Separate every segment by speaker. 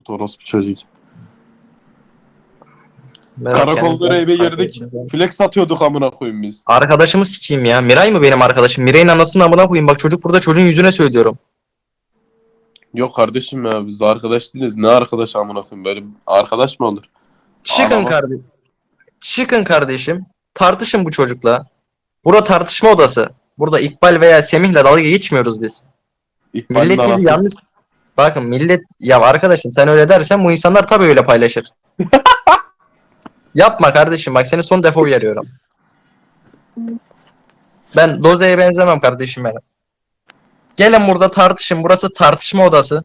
Speaker 1: orospu çocuk.
Speaker 2: Karakollara eve girdik. Flex atıyorduk amına koyayım biz.
Speaker 3: Arkadaşımı sikeyim ya. Miray mı benim arkadaşım? Miray'ın anasını amına koyayım. Bak çocuk burada, çocuğun yüzüne söylüyorum.
Speaker 2: Yok kardeşim ya biz arkadaş değiliz. Ne arkadaş amına koyayım, böyle arkadaş mı olur?
Speaker 3: Çıkın
Speaker 2: Anama-
Speaker 3: kardeşim. Çıkın kardeşim. Tartışın bu çocukla. Burada tartışma odası. Burada İkbal veya Semih'le dalga geçmiyoruz biz.
Speaker 2: İkbal'in
Speaker 3: Millet bizi
Speaker 2: anası.
Speaker 3: yanlış... Bakın millet... Ya arkadaşım sen öyle dersen bu insanlar tabii öyle paylaşır. Yapma kardeşim, bak seni son defa uyarıyorum. Ben Doze'ye benzemem kardeşim benim. Gelin burada tartışın. Burası tartışma odası.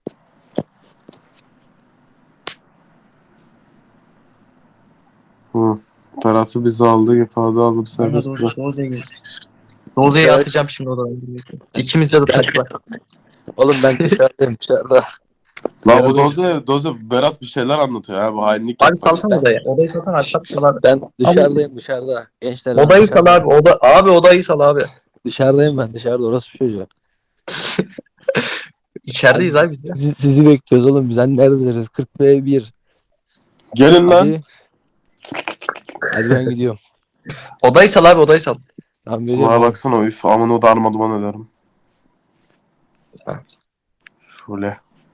Speaker 2: Hı. Berat'ı bizi aldı, ifade alıp serbest bırak.
Speaker 3: Doze'yi
Speaker 1: Evet.
Speaker 3: atacağım şimdi odadan. İkimiz de taşla.
Speaker 1: Oğlum ben dışarıdayım dışarıda.
Speaker 2: La bu Doze Berat bir şeyler anlatıyor ya, bu hainlik
Speaker 3: Abi
Speaker 2: yapma.
Speaker 3: salsana odayı. Odayı salsana abi, çatmalar.
Speaker 1: Ben dışarıdayım dışarıda. Gençler ben
Speaker 3: Odayı sal
Speaker 1: dışarıdayım.
Speaker 3: abi. Abi odayı sal abi.
Speaker 1: Dışarıdayım ben dışarıda, orası bir çocuğu.
Speaker 3: İçerideyiz abi biz ya.
Speaker 1: Sizi bekliyoruz oğlum, biz hani neredesiniz? 40 ve 1.
Speaker 2: Gelin lan.
Speaker 1: Hadi. Hadi ben gidiyorum.
Speaker 3: Odayı sal abi, odayı sal.
Speaker 1: Tamam
Speaker 2: Bana
Speaker 1: veriyorum.
Speaker 2: baksana, üf aman o darma duman ederim.
Speaker 3: Ha.
Speaker 2: Şöyle.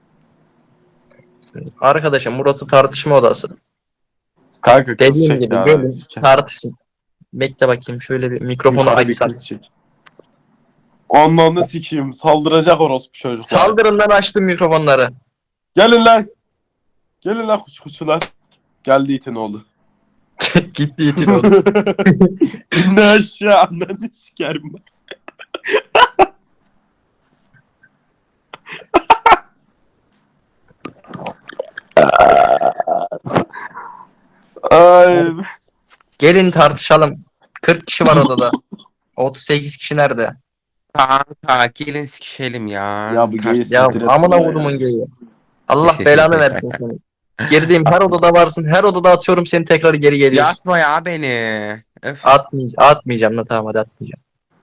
Speaker 3: Arkadaşım burası tartışma odası.
Speaker 2: Kanka kız
Speaker 3: Dediğim
Speaker 2: çek
Speaker 3: gibi
Speaker 2: ya.
Speaker 3: gelin
Speaker 2: siker.
Speaker 3: tartışın. Bekle bakayım şöyle bir mikrofonu
Speaker 2: Yukarı bir
Speaker 3: açsam.
Speaker 2: kız çek. Ondan da sikeyim. Saldıracak orospu çocuklar.
Speaker 3: Saldırın lan, açtım mikrofonları.
Speaker 2: Gelin lan. Gelin lan kuçular. Geldi itin oğlu.
Speaker 3: Gitti itin oldu.
Speaker 2: İndi aşağı, ananı sikerim ben. Ay.
Speaker 3: Gelin tartışalım. 40 kişi var odada. 38 kişi nerede?
Speaker 4: Kanka gelin sikişelim ya.
Speaker 2: Ya bu geyi
Speaker 3: Ya
Speaker 2: siktir et
Speaker 3: amına
Speaker 2: bana ya.
Speaker 3: kodumun geyi. Allah belanı versin seni. Girdiğim her odada varsın. Her odada atıyorum seni, tekrar geri geliyorsun.
Speaker 4: Yatma ya beni. Öf.
Speaker 3: Atmayacağım da, tamam hadi atmayacağım.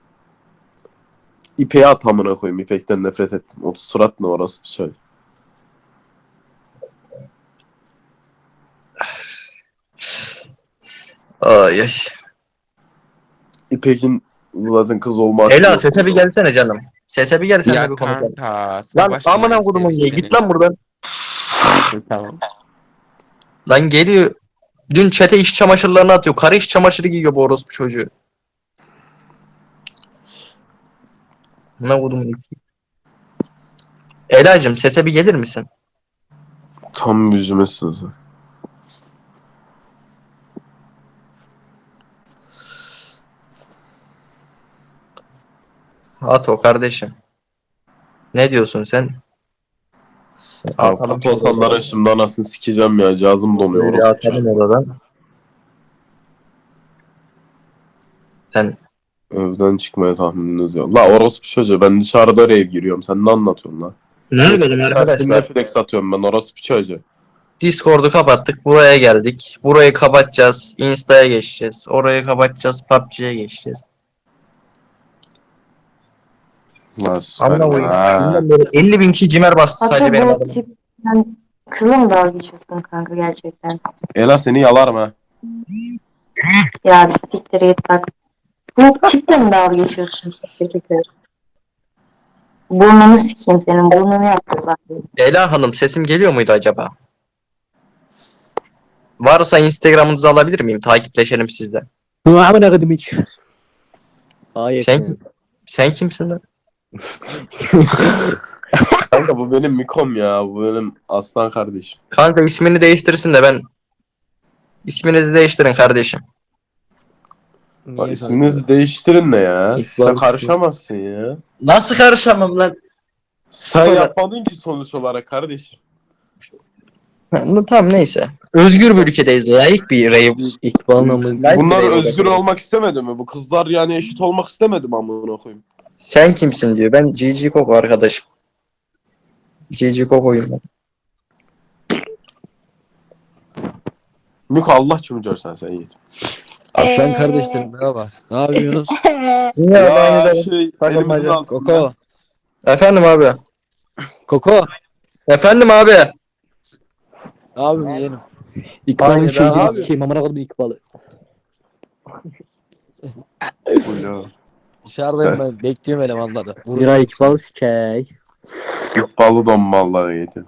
Speaker 2: İpeği at amına koyayım. İpekten nefret ettim. O surat ne orası bir şey.
Speaker 3: Ay ay.
Speaker 2: İpek'in zaten kız olma hakkı
Speaker 3: Ela
Speaker 2: yok.
Speaker 3: sese bir gelsene canım. Sese bir gel, seninle
Speaker 4: Ya
Speaker 3: bir konuşalım.
Speaker 4: kanka.
Speaker 3: Lan
Speaker 4: savaş
Speaker 3: amına
Speaker 4: mı?
Speaker 3: kodumun geyi,
Speaker 4: Sevişelim.
Speaker 3: git lan buradan.
Speaker 4: Tamam.
Speaker 3: Lan geliyor. Dün çete iş çamaşırlarını atıyor. Karı iş çamaşırı giyiyor bu orospu çocuğu. Ne kodumun iki. Ela'cığım sese bir gelir misin?
Speaker 2: Tam yüzüme sızı.
Speaker 3: At o kardeşim. Ne diyorsun sen? Atalım şöyle
Speaker 2: Fotoğraflara
Speaker 3: odadan.
Speaker 2: şimdi anasını sikeceğim ya. Cazım donuyor
Speaker 3: Böyle
Speaker 2: orospu
Speaker 3: atalım
Speaker 2: çocuğu.
Speaker 3: odadan. Sen
Speaker 2: Evden çıkmaya tahmininiz yok. La orospu çocuğu, ben dışarıda rave giriyorum. Sen ne anlatıyorsun la?
Speaker 3: ne yapalım
Speaker 2: Sensin
Speaker 3: arkadaşlar?
Speaker 2: Netflix atıyorum ben, orospu çocuğu.
Speaker 3: Discord'u kapattık. Buraya geldik. Burayı kapatacağız. Insta'ya geçeceğiz. Orayı kapatacağız. PUBG'ye geçeceğiz.
Speaker 2: La
Speaker 3: Amına koyayım.
Speaker 2: ha.
Speaker 3: Bundan böyle 50 bin kişi cimer bastı sadece benim
Speaker 5: Hatta bu
Speaker 3: adıma.
Speaker 5: tip sen kızla mı dalga geçiyorsun kanka gerçekten?
Speaker 2: Ela seni yalarım ha.
Speaker 5: Ya bir siktir git bak. Bu tiple mi dalga geçiyorsun? Siktir git. Burnunu sikeyim senin. Burnunu yaptırlar.
Speaker 3: Ela Hanım sesim geliyor muydu acaba? Varsa Instagram'ınızı alabilir miyim? Takipleşelim sizle.
Speaker 6: Amına koydum hiç. Hayır.
Speaker 3: Sen kimsin lan?
Speaker 2: Kanka bu benim Mikom ya. Bu benim aslan kardeşim.
Speaker 3: Kanka ismini değiştirsin de ben... İsminizi değiştirin kardeşim.
Speaker 2: Bak, isminizi değiştirin ne ya?
Speaker 6: İkbal
Speaker 2: Sen karışamazsın ya.
Speaker 3: Nasıl karışamam lan?
Speaker 2: Sen
Speaker 3: Sonra-
Speaker 2: yapmadın ki sonuç olarak kardeşim.
Speaker 3: Tamam neyse. Özgür bir ülkedeyiz. Layık bir rave.
Speaker 6: İkbal namı.
Speaker 3: Layık
Speaker 2: Bunlar
Speaker 3: bir rave
Speaker 2: özgür
Speaker 3: odası.
Speaker 2: olmak istemedi mi? Bu kızlar yani eşit olmak istemedi mi amına koyayım?
Speaker 3: Sen kimsin diyor. Ben GG Koko arkadaşım. GG Koko'yum ben.
Speaker 2: Miko Allah çumucar sen Yiğit.
Speaker 1: Aslan kardeşlerim merhaba. Ne yapıyorsunuz?
Speaker 3: Yine abi aynı da.
Speaker 2: Şey
Speaker 3: Takılmaca.
Speaker 2: elimizin altında.
Speaker 1: Koko.
Speaker 3: Efendim abi.
Speaker 1: Koko.
Speaker 3: Efendim abi.
Speaker 1: Ne yapayım yeğenim?
Speaker 6: İkbal'ın
Speaker 3: Hayır
Speaker 6: şeyini
Speaker 3: abi.
Speaker 6: sikeyim amına koydum İkbal'ı.
Speaker 2: Buyur.
Speaker 1: Dışarıdayım ben. Bekliyorum elemanları.
Speaker 6: Zira İkbal sikey.
Speaker 2: İkbalı don malları yedi.